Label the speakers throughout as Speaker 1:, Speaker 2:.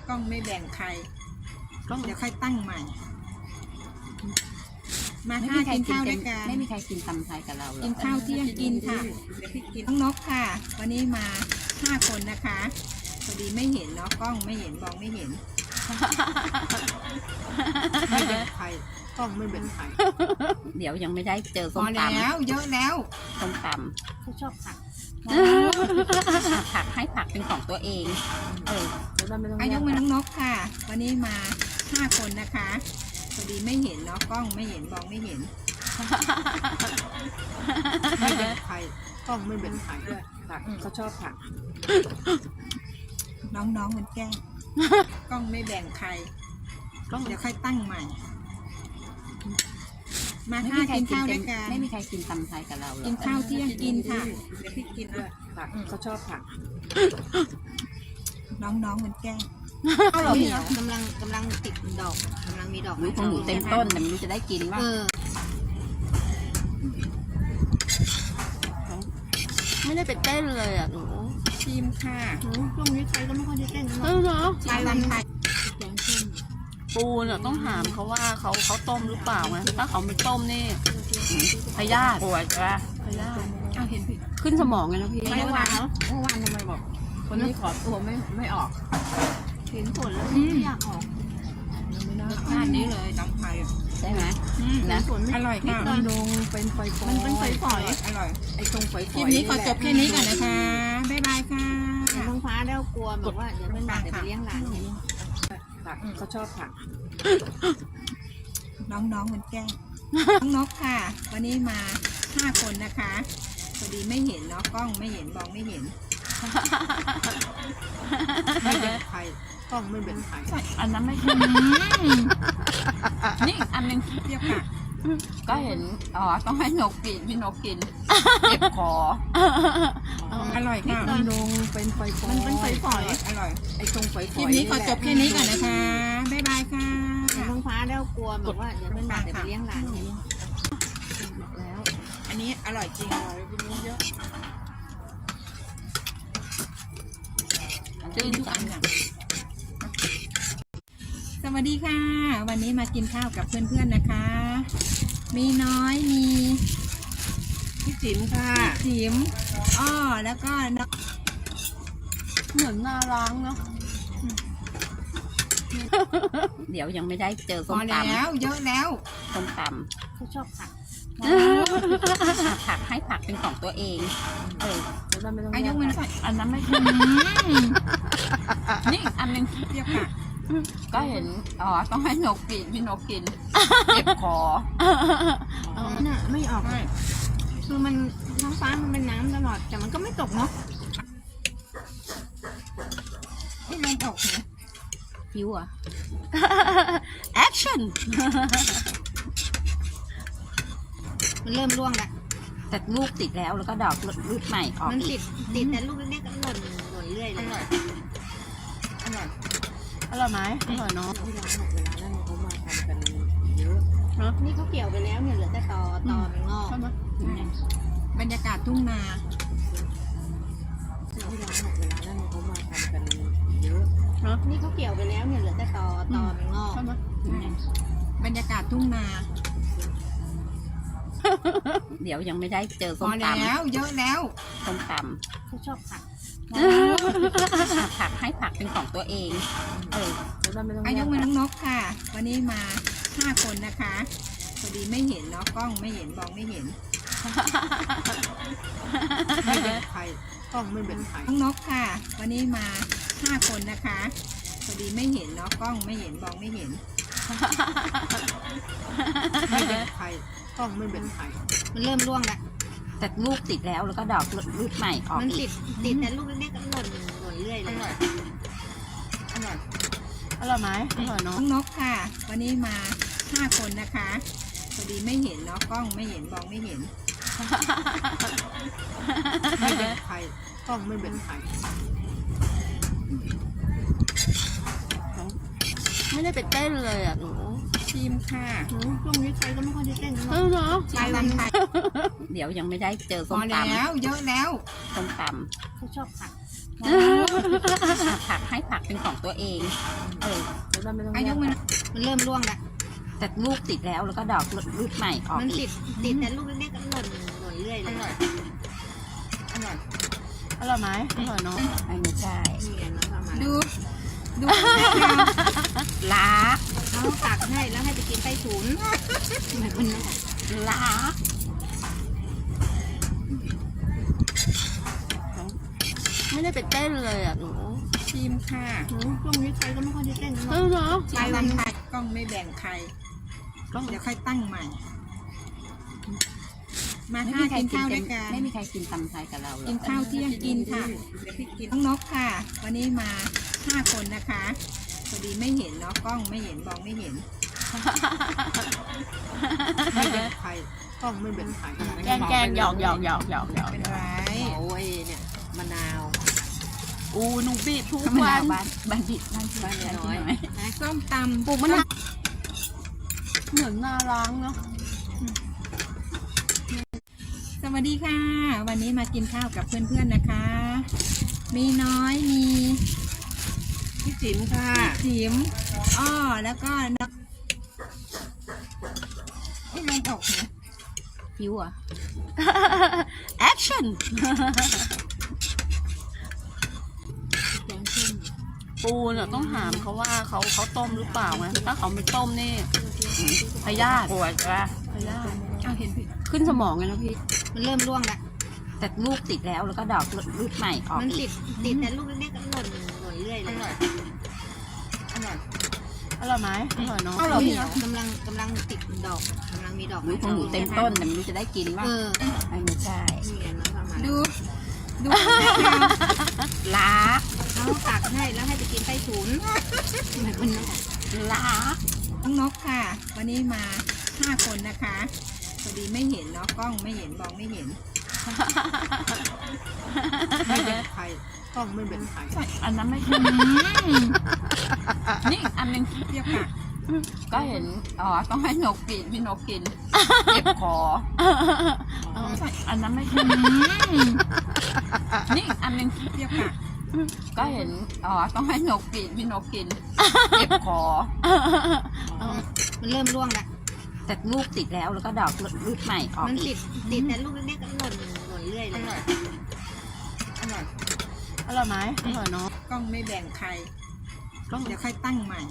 Speaker 1: กล้องไม่แบ่งใคร
Speaker 2: กล้อง
Speaker 1: เดี๋ยวค่อยตั้งใหม่ มา
Speaker 2: ไม่
Speaker 1: ค่ะ
Speaker 2: มีใคร
Speaker 1: กิน
Speaker 2: กิน
Speaker 1: ข้าว
Speaker 2: เป็
Speaker 1: ด้วน ยกัน
Speaker 2: ไม่มีใครกินตำไทยกับเราหรอ
Speaker 1: กินข้าวเที่ยงกินค่ะเดี๋ยวพี่กินน้องนกค่ะ วันนี้มา5 คนนะคะพอดีไม่เห็นเนาะกล้องไม่เห็นมองไม่เห็นไม่แบ่งใครกล้องไม่แบ่งใคร
Speaker 2: เดี๋ยวยังไม่ได้เจอ
Speaker 1: พ
Speaker 2: ส้
Speaker 1: อ
Speaker 2: มต
Speaker 1: แล้วเยอะแล้ว
Speaker 2: ำส้มต
Speaker 3: เขาชอบผัก
Speaker 2: ำผักให้ผักเป็นของตัวเอง
Speaker 3: แล้วเราไม่ต้อง
Speaker 1: อา
Speaker 3: แย
Speaker 1: ยุ
Speaker 3: ก
Speaker 1: มือ
Speaker 3: กั
Speaker 1: น้
Speaker 3: น
Speaker 1: องนกค่ะ วันนี้มา5 คนนะคะพอดีไม่เห็นเนาะกล้องไม่เห็นมองไม่เห็นไม่แบ่งใครกล้องไม่แบ่งใครด้วย
Speaker 3: ผักเขาชอบผัก
Speaker 1: น้องๆมันแกล้งกล้องไม่แบ่งใคร
Speaker 2: กล้อง
Speaker 1: เดี๋ยวค่อยตั้งใหม่ มา
Speaker 2: ไม่
Speaker 1: ค่ะ
Speaker 2: มีใคร
Speaker 1: กิน
Speaker 2: กิน
Speaker 1: ข้าว
Speaker 2: เป็
Speaker 1: ด้
Speaker 2: น
Speaker 1: วยกัน
Speaker 2: ไม่มีใครกินตำไทยกับเราหรอ
Speaker 1: กินข้าวเที่ยงกินค่ะเดี๋ยวพี่กินด้วย
Speaker 3: ผักเขาชอบผัก
Speaker 1: น้องๆมันแกล้ง
Speaker 3: ข้าวเหนียวกำลังติดดอกกำลังมีดอก
Speaker 2: รู้ของหนูเต็มต้นแต่ไม่รู้จะได้กินว่า ไม่ได้ไปเต้นเลยอ่ะหนู
Speaker 1: ชิมค่ะ
Speaker 3: ช่วงนี้ใครก็ไม่ค่อยได้เต้น
Speaker 2: เนาะ
Speaker 1: ชายวันไทย
Speaker 3: แกงส้ม
Speaker 2: ปูเนี่ยต้องถามเขาว่าเขาต้มหรือเปล่าไงถ้าเขาไม่ต้มนี่พยาธิปวดจ้ะพยาธิ
Speaker 1: เอาเห็นผิด
Speaker 2: ขึ้นสมองไงนะพี่
Speaker 3: เมื่อวานทำไมบอกคนนี้ขอตัวไม่ออกเห็นผลแล้วไม่อยากออก
Speaker 1: รสชาตินี้เลยน้ำไทย
Speaker 2: ใช่ไหม
Speaker 3: นะ
Speaker 1: อร่อยค่ะ
Speaker 3: มันลงเป็นไฟฟอยมันเป็นไฟฟอย
Speaker 1: อร่อย
Speaker 3: ไอ้ตรงไฟฟ
Speaker 1: ค
Speaker 3: อ
Speaker 1: ลิ
Speaker 3: ย
Speaker 1: ปนี้ขอจบแค่นี้ก่อนนะคะบ๊ายบายค่ะ
Speaker 3: ท้องฟ้าแล้วกลัวแบบว่าเดี๋ยวมันเดี๋ยวไปเลี้ยงหลานผักเขาชอบผัก
Speaker 1: น้องๆมันแกล้งน้องนกค่ะ วันนี้มา5 คนนะคะพอดีไม่เห็นเนาะกล้องไม่เห็นมองไม่เห็นไม่แบ่งใครกล้องไม่แบ่งใคร
Speaker 2: อันนั้นไม่ใช่นี่อันนึง
Speaker 1: เรียกค่ะ
Speaker 2: ก็เห็นต้องให้นกกินพี่นกกินเจ็บคอ
Speaker 1: อร่อยค่ะ
Speaker 3: มันลงเป็นไฟฟอยมันเป็นไฟฟอย
Speaker 1: อร่อย
Speaker 3: ไอ้ตรงไฟฟ
Speaker 1: ค
Speaker 3: อ
Speaker 1: ลิ
Speaker 3: ย
Speaker 1: ปนี้ขอจบแค่นี้ก่อนนะคะบ๊ายบายค่ะ
Speaker 3: ท้องฟ้าแล้วกลัวแบบว่าเดี๋ยวมันเดี๋ยวไปเลี้ยงหลานแล้ว
Speaker 1: อันนี้อร่อยจริงอร่อยกินเยอะ
Speaker 2: จื้น
Speaker 1: ทุก
Speaker 2: จั
Speaker 1: อั
Speaker 2: ง
Speaker 1: นอย่างสวัสดีค่ะ วันนี้มากินข้าวกับเพื่อนๆนะคะ มีน้อยมี
Speaker 3: พี่จิ๋มค่ะ
Speaker 1: จิ๋มอ้อแล้วก็น้อง
Speaker 2: เหมือนนาล้างเนาะเดี๋ยวยังไม่ได้เจอ
Speaker 1: พ
Speaker 2: ส้
Speaker 1: อ
Speaker 2: มต
Speaker 1: แล้วเยอะแล้ว
Speaker 2: ำส้มต
Speaker 3: เขาชอบผัก
Speaker 2: ำผักให้ผักเป็นของตัวเอง
Speaker 3: แล้วเราไม่ต้อง
Speaker 1: อา
Speaker 3: แย
Speaker 1: ยุ
Speaker 3: ก
Speaker 1: มัน
Speaker 3: กัน
Speaker 1: ใส่
Speaker 2: อันนั้นไม่ใช่นี่อันนึง
Speaker 1: เรียกค่ะ
Speaker 2: ก็เห็นต้องให้นกกินพี่นกกินเจ็บคอ
Speaker 3: น่ะไม่ออก
Speaker 1: ใช่
Speaker 3: คือมันท้องฟ้ามันเป็นน้ำตลอดแต่มันก็ไม่ตกเนาะ
Speaker 1: ที่ลงออกเนี่ย
Speaker 2: ฟิวอะแอคชั่น
Speaker 3: มันเริ่มร่วงแล้ว
Speaker 2: แต่ลูกติดแล้วแล้วก็ดอกลูกใหม่ออก
Speaker 3: มัน
Speaker 2: อี
Speaker 3: ติ
Speaker 2: ก
Speaker 3: ดแต่ลูกเล็กๆก็หล่นเรื่อย
Speaker 1: อ
Speaker 3: เลย
Speaker 1: ร่อยอร่อย
Speaker 2: อร่อยไหมอร่อยเนาะ
Speaker 3: ที่ร้านหมดเวลาแล้วเขามาทำกันเยอะนี่เขาเกี่ยวไปแล้วเนี่ยเหลือแต่ตอมันงอก
Speaker 1: ใช่ไหมบรรยากาศทุ่งนา
Speaker 3: ที่ร้านหมดเวลาแล้วเขามาทำกันเยอะนี่เขาเกี่ยวไปแล้วเนี่ยเหลือแต่ตอมันงอก
Speaker 1: ใช่ไหมบรรยากาศทุ่งนา
Speaker 2: เดี๋ยวยังไม่ได้เจอ
Speaker 1: พ
Speaker 2: ส้
Speaker 1: อ
Speaker 2: มต
Speaker 1: แล้วเยอะแล้ว
Speaker 2: ำส้มต
Speaker 3: เขาชอบผัก
Speaker 2: ำผักให้ผักเป็นของตัวเอง
Speaker 3: แล้วเราไม่ต้อง
Speaker 1: อา
Speaker 3: แย
Speaker 1: ยุ
Speaker 3: ก
Speaker 1: มือ
Speaker 3: กัน
Speaker 1: น้องนกค่ะ วันนี้มา5 คนนะคะพอดีไม่เห็นเนาะกล้องไม่เห็นมองไม่เห็นไม่แบ่งใครกล้องไม่แบ่งใครน้องนกค่ะ วันนี้มา5 คนนะคะพอดีไม่เห็นเนาะกล้องไม่เห็นมองไม่เห็นไม่แบ่งใครกล้องไม่แบ่งใคร
Speaker 3: มันเริ่มร่วงแล้ว
Speaker 2: แต่ลูกติดแล้วแล้วก็ดอกลูกใหม่ออก
Speaker 3: มัน
Speaker 2: อี
Speaker 3: ติ
Speaker 2: ก
Speaker 3: ดแต่ลูกเล็กๆก็หล่นเรื่อย
Speaker 1: อ
Speaker 3: เลย
Speaker 1: ร่อยอร่อย
Speaker 2: อร่อยไหมอร่อยเนาะ
Speaker 1: น้องนกค่ะ วันนี้มา5 คนนะคะพอดีไม่เห็นเนาะกล้องไม่เห็นมองไม่เห็นไม่แบ่งใครกล้องไม่แบ่งใคร
Speaker 2: ไม่ได้ไปเต้นเลยอ่ะหนู
Speaker 1: ชิมค่ะ
Speaker 3: ช่วงนี้ใครก็ไม่ค่อยได้เต้นเนาะ
Speaker 2: เนาะ
Speaker 1: ชายวันไทย
Speaker 2: เดี๋ยวยังไม่ได้เจอ
Speaker 1: พ
Speaker 2: ส้
Speaker 1: อ
Speaker 2: มต
Speaker 1: แล้วเยอะแล้ว
Speaker 2: ำส้มต
Speaker 3: เขาชอบผัก
Speaker 2: ำ
Speaker 3: ผักให้ผักเป็นของตัวเองแล้วมันไม่ต้อง
Speaker 1: อายุมันเริ่มร่วงแล้ว
Speaker 3: แต่ลูกติดแล้วก็ดอกลูกใหม่ออก
Speaker 1: มัน
Speaker 3: อี
Speaker 1: ติ
Speaker 3: ก
Speaker 1: ดแต่ลูกเล็กๆก็หล่นเรื่อยเลยอร่อย
Speaker 2: อร่อยไหมอร่อยเนาะ
Speaker 3: ไม่ใช่
Speaker 1: นี่ไงน้องทำมา
Speaker 3: ดู
Speaker 1: ล้าเขาตักให้แล้วให้ไปกินใต้ถุนเหมือนคนนั้น
Speaker 3: ล้า
Speaker 2: ไม่ได้ไปเต้นเลยอ่ะหนู
Speaker 1: ชิมค่ะช่วงนี้ใครก็ไม่ค่อยได้เต้นนะ
Speaker 2: เนาะ
Speaker 1: ใครวันใครกล้องไม่แบ่งใครเดี๋ยวค่อยตั้งใหม่ มา
Speaker 3: ไม่
Speaker 1: ค่ะ
Speaker 3: มีใคร
Speaker 1: กิน
Speaker 3: กิน
Speaker 1: ข้าวด้วยกัน
Speaker 3: ไม่มีใครกินตำไทยกับเราหร
Speaker 1: กิ
Speaker 3: อน
Speaker 1: ข้าวเที่ยงกินค่ะเดี๋ยวพี่กินน้องนกค่ะ วันนี้มา5 คนนะคะพอดีไม่เห็นเนาะกล้องไม่เห็นมองไม่เห็นไม่เป็นใครกล้องไม่เป็นใคร
Speaker 2: แกงหยอก
Speaker 1: เป็นไร
Speaker 3: โอ้ยเนี่ยมะนาว
Speaker 2: อูหนูบีบทุก
Speaker 3: มะ
Speaker 2: วั
Speaker 3: นาวน บ้านบิดบ้านน้อย
Speaker 1: นะส้มตำ
Speaker 2: ปลูกมะนาวเหมือนนาล้างเนาะ
Speaker 1: สวัสดีค่ะ วันนี้มากินข้าวกับเพื่อนๆนะคะ มีน้อยมี
Speaker 3: พี่จิ๋มค่ะ
Speaker 1: จิ๋มอ้อแล้วก็น้องลงอกนะ
Speaker 3: ผิวอ่ะ
Speaker 2: แอคชั่นปูเนี่ยต้องถามเขาว่าเขาต้มหรือเปล่าไงถ้าเขาไม่ต้มนี่พยาธิ
Speaker 3: ปวดจ้ะ
Speaker 2: พยาธิ
Speaker 1: เอาเห็นผิด
Speaker 2: ขึ้นสมองไงนะพี่
Speaker 1: มันเริ่มร่วงแล้ว
Speaker 3: แต่ลูกติดแล้วก็ดอกลูกใหม่ออก
Speaker 1: มัน
Speaker 3: อี
Speaker 1: ติ
Speaker 3: ก
Speaker 1: ดแต่ลูกเล็กๆก็หล่นเรื่อยเลยอร่อย
Speaker 2: อร่อยไหมอร่อยเนาะ
Speaker 1: ข้าวเหนียวกำลังติดดอกกำลังมีดอก
Speaker 3: ลูกของหนูเต็มต้นแต่ไม่รู้จะได้กินว่า ไม่ใช่
Speaker 1: นี่ไงน้องทำมา
Speaker 3: ดูล้า
Speaker 1: เขาตักให้แล้วให้ไปกินใต้ถุนเหมือนคนนั้น
Speaker 3: ล้า
Speaker 1: น้องนกค่ะ วันนี้มา5 คนนะคะพอดีไม่เห็นเนาะกล้องไม่เห็นมองไม่เห็นไม่เป็นใครกล้องไม่เป็นใคร
Speaker 2: อันนั้นไม่ใช่นี่อันนึง
Speaker 1: เรียกค่ะ
Speaker 3: ก็เห็นต้องให้นกกินพี่นกกินเจ็บคอ
Speaker 2: อันนั้นไม่ใช่นี่อันนึง
Speaker 1: เรียกค่ะ
Speaker 3: ก็เห็นต้องให้นกกินพี่นกกินเจ็บคอ
Speaker 1: มันเริ่มร่วงแล้ว
Speaker 3: แต่ลูกติดแล้วก็ดอกลูกใหม่ออก
Speaker 1: มัน
Speaker 3: อี
Speaker 1: ติ
Speaker 3: ก
Speaker 1: ดแต่ลูกเล็กๆก็หล่นเรื่อยเลยอร่อย
Speaker 2: อร่อยไหมอร่อยเนาะ
Speaker 1: กล้องไม่แบ่งใครเดี๋ยวค่อยตั้งใหม่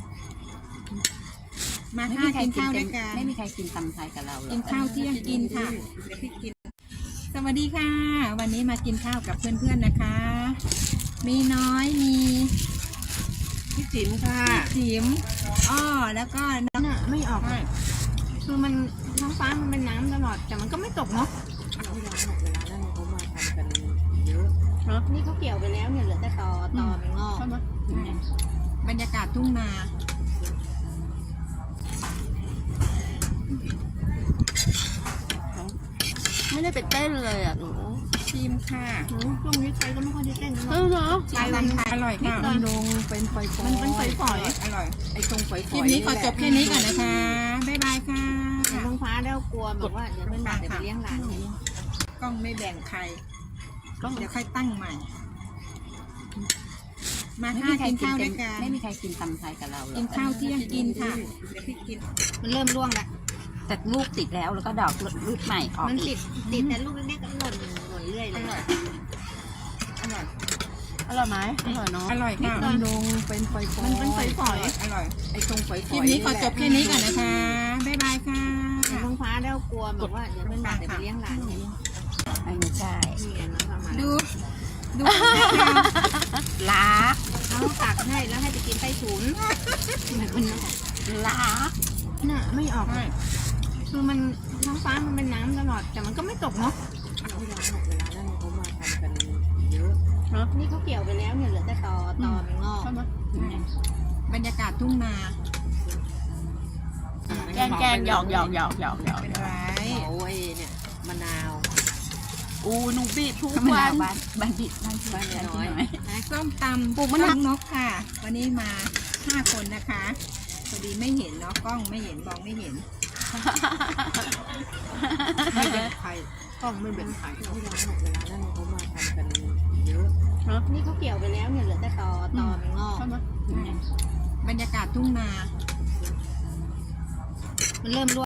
Speaker 1: มา
Speaker 3: ไม่
Speaker 1: ค่ะ
Speaker 3: มีใคร
Speaker 1: กิน
Speaker 3: กิน
Speaker 1: ข้าวด้วยกัน
Speaker 3: ไม่มีใครกินตำไทยกับเราหรอ
Speaker 1: กินข้าวเที่ยงกินค่ะเดี๋ยวพี่กิน สวัสดีค่ะ วันนี้มากินข้าวกับเพื่อนๆนะคะ มีน้อยมี
Speaker 3: พี่จิ๋มค่ะ
Speaker 1: จิ๋มอ้อแล้วก็น้องไม่ออกคือมันท้องฟ้ามันเป็นน้ำตลอดแต่มันก็ไม่ตกเนาะ
Speaker 3: เวลานั้นเขามาทำกันเยอะ
Speaker 1: นี่เขาเกี่ยวไปแล้วเนี่ยเหลือแต่ตอมันงอกบรรยากาศทุ่งนา
Speaker 2: ไม่ได้ไปเต้นเลยอ่ะหนู
Speaker 1: ชิมค่ะช่วงนี้ใครก็ไม่ค่อยได้เต้นนะ
Speaker 2: เนาะ
Speaker 1: ใครวันใครอร่อยค่ะ
Speaker 3: ลงเป็นไฟฟอ
Speaker 1: มันเป็นฝอยๆอร่อย
Speaker 3: ไอ้ตรงไฟฟ
Speaker 1: คลิปนี้ขอจบแค่นี้ก่อนนะคะ บ๊ายบายค่ะท้องฟ้าแล้วกลัวแบบว่าเดี๋ยวมันบาดเดี๋ยวไปเลี้ยงหลานกล้องไม่แบ่งใครเดี๋ยวค่อยตั้งใหม่ มา
Speaker 3: ไม่
Speaker 1: ค่ะ
Speaker 3: มีใคร
Speaker 1: กิน
Speaker 3: กิน
Speaker 1: ข้าวด้วยกัน
Speaker 3: ไม่มีใครกินตำไทยกับเราหรอ
Speaker 1: กินข้าวเที่ยงกินค่ะเดี๋ยวพี่กิน มันเริ่มร่วงแล้ว
Speaker 3: แต่ลูกติดแล้วก็ดอกลูกใหม่ออก
Speaker 1: มัน
Speaker 3: อี
Speaker 1: ติ
Speaker 3: ก
Speaker 1: ดแต่ลูกเล็กๆก็หล่นเรื่อยเลยอร่อย
Speaker 2: อร่อยไหมอร่อยเนาะ
Speaker 1: อร่อยค่ะ
Speaker 3: ลงเป็นไฟฟอ
Speaker 1: มันเป็นฝอยๆอร่อย
Speaker 3: ไอ้ตรงไฟฟ
Speaker 1: คลิปนี้ขอจบแค่นี้ก่อนนะคะ บ๊ายบายค่ะท้องฟ้าแล้วกลัวแบบว่าเดี๋ยวมันบาดเดี๋ยวไปเลี้ยงหลาน
Speaker 3: ไม่ใช่
Speaker 1: นี่ไงน้องทำมาดู
Speaker 3: ล้า
Speaker 1: เขาตักให้แล้วให้ไปกินใต้ถุนเหมือนคนนั้น
Speaker 3: ล้า
Speaker 1: น่ะไม่ออกคือมันท้องฟ้ามันเป็นน้ำตลอดแต่มันก็ไม่ตกเนาะ
Speaker 3: เวลานั้นเขามาทำกันเยอะ
Speaker 1: นี่เขาเกี่ยวไปแล้วเนี่ยเหลือแต่ตอมันงอกบรรยากาศทุ่งนา
Speaker 2: แกงหยอก
Speaker 1: เป็นไร
Speaker 3: โอ้ยเนี่ยมะนาว
Speaker 2: อูหนูบีบทุก
Speaker 3: มะ
Speaker 2: วั
Speaker 3: นาวน บ้านบิดบ้านน้อย
Speaker 1: นะส้มตำ
Speaker 2: ปลูกมะนาว
Speaker 1: น้องนกค่ะ วันนี้มา5 คนนะคะพอดีไม่เห็นเนาะกล้องไม่เห็นมองไม่เห็นไม่เป็นใครกล้องไม่เป็นใคร
Speaker 3: เวลานั้นเขามาทำกัน
Speaker 1: เยอะ
Speaker 3: นี่เขาเกี่ยวไปแล้วเนี่ยเหลือแต่ตอมันงอก
Speaker 2: ใช่ไหม
Speaker 1: บรรยากาศทุ่งนา
Speaker 3: มันเริ่มร่วง